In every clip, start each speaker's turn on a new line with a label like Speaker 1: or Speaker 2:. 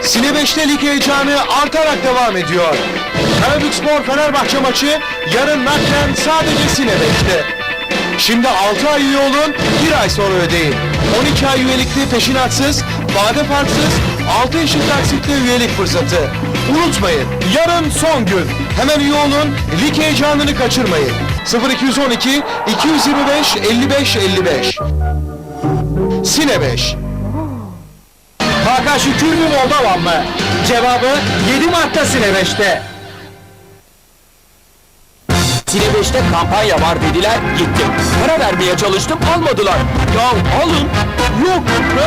Speaker 1: Sine 5'te lig heyecanı artarak devam ediyor. Karabükspor Fenerbahçe maçı yarın naklen sadece Sine 5'te. Şimdi 6 ay üye olun, 1 ay sonra ödeyin. 12 ay üyelikli peşinatsız, vade farksız, 6 eşit taksitle üyelik fırsatı. Unutmayın, yarın son gün. Hemen üye olun, lig heyecanını kaçırmayın. 0212 225 55 55. Sine 5.
Speaker 2: Hakan Şükür mü Moldovan mı? Cevabı 7 Mart'ta Sine 5'te.
Speaker 3: Sine 5'te kampanya var dediler, gittim. Para vermeye çalıştım, almadılar. Ya alın. Yok.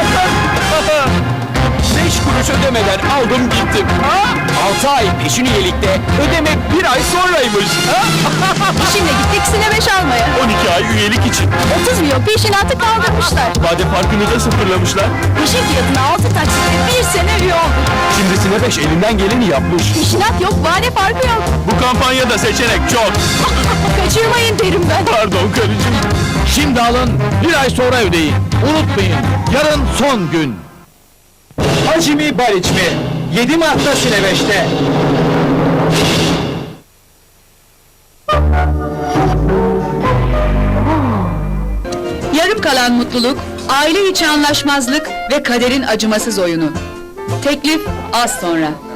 Speaker 3: 5 kuruş ödemeden aldım gittim. 6 ay peşin üyelikte, ödeme 1 ay sonraymış.
Speaker 4: Şimdi gittik Sine 5 almaya.
Speaker 3: 12 ay üyelik için.
Speaker 4: 30 milyon peşinatı kaldırmışlar.
Speaker 3: Vade farkını da sıfırlamışlar.
Speaker 4: Peşin fiyatına 6 taksitle 1 sene üye olduk.
Speaker 3: Şimdi Sine 5 elinden geleni yapmış.
Speaker 4: Peşinat yok, vade farkı yok.
Speaker 3: Bu kampanyada seçenek çok.
Speaker 4: Kaçırmayın derim ben.
Speaker 3: Pardon karıcığım.
Speaker 2: Şimdi alın, 1 ay sonra ödeyin. Unutmayın, yarın son gün. Hacı mi Baliç mi? 7 Mart'ta Sine 5'te.
Speaker 5: Yarım kalan mutluluk, aile içi anlaşmazlık ve kaderin acımasız oyunu. Teklif az sonra.